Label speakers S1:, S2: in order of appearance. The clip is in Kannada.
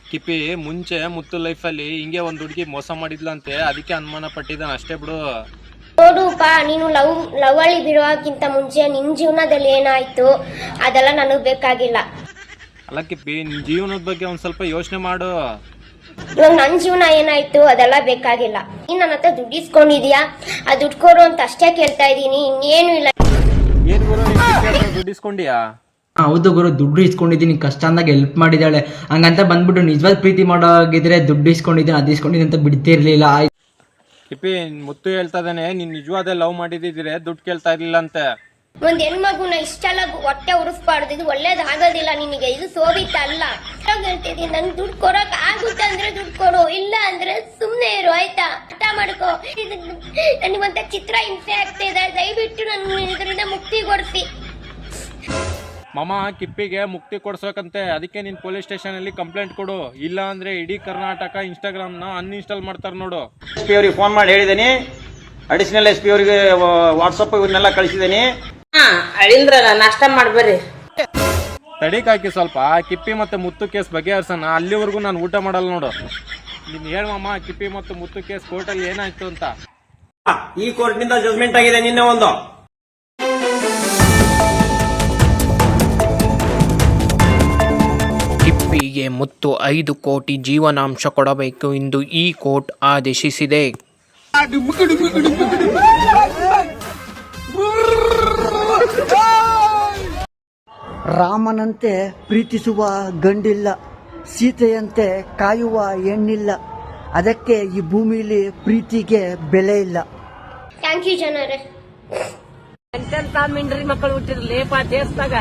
S1: ಕಿಪಿ ಮುಂಚೆ ಮುತ್ತು ಲೈಫಲ್ಲಿ ಹಿಂಗೆ ಒಂದು ಹುಡುಗಿ ಮೋಸ ಮಾಡಿದ್ಲಂತೆ, ಅದಕ್ಕೆ ಅನುಮಾನ ಪಟ್ಟಿದ್ದಾನೆ ಅಷ್ಟೇ ಬಿಡು.
S2: ನೋಡುಪ್ಪ, ನೀನು ಲವಳಿ ಬಿಡುವಕ್ಕಿಂತ ಮುಂಚೆ ನಿನ್ ಜೀವನದಲ್ಲಿ ಏನಾಯ್ತು ಅದೆಲ್ಲ ನನಗ್ ಬೇಕಾಗಿಲ್ಲ.
S1: ಅಲ್ಲ ಕಿಪ್ಪಿ, ನಿನ್ ಜೀವನದ ಬಗ್ಗೆ ಒಂದ್ ಸ್ವಲ್ಪ ಯೋಚನೆ ಮಾಡು.
S2: ಇವಾಗ ನನ್ ಜೀವನ ಏನಾಯ್ತು ಅದೆಲ್ಲ ಬೇಕಾಗಿಲ್ಲ. ನೀನ್ ನನ್ನ ಹತ್ರ ದುಡ್ಡು ಇಸ್ಕೊಂಡಿದ್ಯಾ, ಆ ದುಡ್ಡು ಕೊಡು ಅಂತ ಅಷ್ಟೇ ಕೇಳ್ತಾ ಇದೀನಿ, ಇನ್ನೇನು ಇಲ್ಲ.
S1: ಏನ್ ಗುರು ದುಡ್ಡು ಇಸ್ಕೊಂಡಿಯಾ?
S3: ಹೌದು ಗುರು, ದುಡ್ಡು ಇಸ್ಕೊಂಡಿದ್ದೀನಿ, ಕಷ್ಟ ಅಂದಾಗ ಹೆಲ್ಪ್ ಮಾಡಿದಾಳೆ. ಹಂಗಂತ ಬಂದ್ಬಿಟ್ಟು ನಿಜವಾದ ಪ್ರೀತಿ ಮಾಡೋಗಿದ್ರೆ ದುಡ್ಡು ಇಸ್ಕೊಂಡಿದ್ದೀನಿ ಅದು ಇಸ್ಕೊಂಡಿದ್ದೀನಿ ಅಂತ ಬಿಡ್ತಿರ್ಲಿಲ್ಲ.
S1: ಕಿಪಿ, ಮುತ್ತು ಹೇಳ್ತಾ ಇದ್ದಾನೆ ನೀನ್ ನಿಜವಾದ ಲವ್ ಮಾಡಿದಿದ್ರೆ ದುಡ್ಡು ಕೇಳ್ತಾ ಇರ್ಲಿಲ್ಲ ಅಂತೆ.
S2: ಒಂದ್ ಹೆಣ್ಮಗುನ ಇಷ್ಟೆಲ್ಲ ಹೊಟ್ಟೆ ಉರಿಸ್ಬಾರ್ದು, ಇದು ಒಳ್ಳೇದಾಗೋದಿಲ್ಲ ನಿನಗೆ, ಇದು ಸೋವಿತ ಅಲ್ಲ. ಹೇಳ್ತಿದ್ದೀನಿ, ನನ್ ದುಡ್ಡು ಕೊಡಕ್ ಆಗುತ್ತೆ ಅಂದ್ರೆ ದುಡ್ಡು ಕೊಡು, ಇಲ್ಲ ಅಂದ್ರೆ ಸುಮ್ನೆ ಇರು, ಆಯ್ತಾ? ಅರ್ಥ ಮಾಡ್ಕೋ. ನನಗಂತ ಚಿತ್ರ ಹಿಂಸೆ ಆಗ್ತಿದೆ, ದಯವಿಟ್ಟು ನನ್ನ ಇದರಿಂದ ಮುಕ್ತಿ ಕೊಡ್ಸಿ.
S1: ಮಾಮ, ಕಿಪ್ಪಿಗೆ ಮುಕ್ತಿ ಕೊಡ್ಸೋಕಂತೆ, ಅದಕ್ಕೆ ನೀನ್ ಪೊಲೀಸ್ ಸ್ಟೇಷನ್ ಅಲ್ಲಿ ಕಂಪ್ಲೇಂಟ್ ಕೊಡು, ಇಲ್ಲ ಅಂದ್ರೆ ಇಡೀ ಕರ್ನಾಟಕ ಇನ್ಸ್ಟಾಗ್ರಾಮ್ ನ ಅನ್ಇನ್ಸ್ಟಾಲ್ ಮಾಡ್ತಾರ ನೋಡು.
S4: SP ಅವ್ರಿಗೆ ಫೋನ್ ಮಾಡಿ ಹೇಳಿದ್ದೀನಿ, ಅಡಿಷನಲ್ SP ಅವ್ರಿಗೆ ವಾಟ್ಸಪ್ ಇವನ್ನೆಲ್ಲ ಕಳಿಸಿದ್ದೀನಿ.
S5: ಅಳಿಂದ್ರಲ್ಲ, ನಾಷ್ಟ ಮಾಡ್ಬರ್ರಿ.
S1: ತಡಿಕಾಕಿ ಸ್ವಲ್ಪ, ಕಿಪ್ಪಿ ಮತ್ತೆ ಮುತ್ತು ಕೇಸ್ ಬಗೆಹರ್ಸೋಣ, ಅಲ್ಲಿವರೆಗೂ ನಾನು ಊಟ ಮಾಡಲ್ಲ ನೋಡು. ನೀನ್ ಹೇಳ ಮಾಮ, ಕಿಪ್ಪಿ ಮತ್ತು ಮುತ್ತು ಕೇಸ್ ಕೋರ್ಟಲ್ಲಿ ಏನಾಯ್ತು ಅಂತ.
S4: ಈ ಕೋರ್ಟ್ ನಿಂದ ಜಜ್ಮೆಂಟ್ ಆಗಿದೆ ನಿನ್ನೆ ಒಂದು.
S6: ಕಿಪ್ಪಿಗೆ ಮುತ್ತು 5 ಕೋಟಿ ಜೀವನಾಂಶ ಕೊಡಬೇಕು ಎಂದು ಈ ಕೋರ್ಟ್ ಆದೇಶಿಸಿದೆ.
S7: ರಾಮನಂತೆ ಪ್ರೀತಿಸುವ ಗಂಡಿಲ್ಲ, ಸೀತೆಯಂತೆ ಕಾಯುವ ಹೆಣ್ಣಿಲ್ಲ, ಅದಕ್ಕೆ ಈ ಭೂಮಿಲಿ ಪ್ರೀತಿಗೆ ಬೆಲೆ ಇಲ್ಲ.
S2: ಥ್ಯಾಂಕ್ ಯು ಜನರೇ.
S5: ಎಂತೆಂತ ಮಿಂಡ್ರಿ ಮಕ್ಕಳು ಹುಟ್ಟಿರ್ಲೇಪ ದೇಶದಾಗ.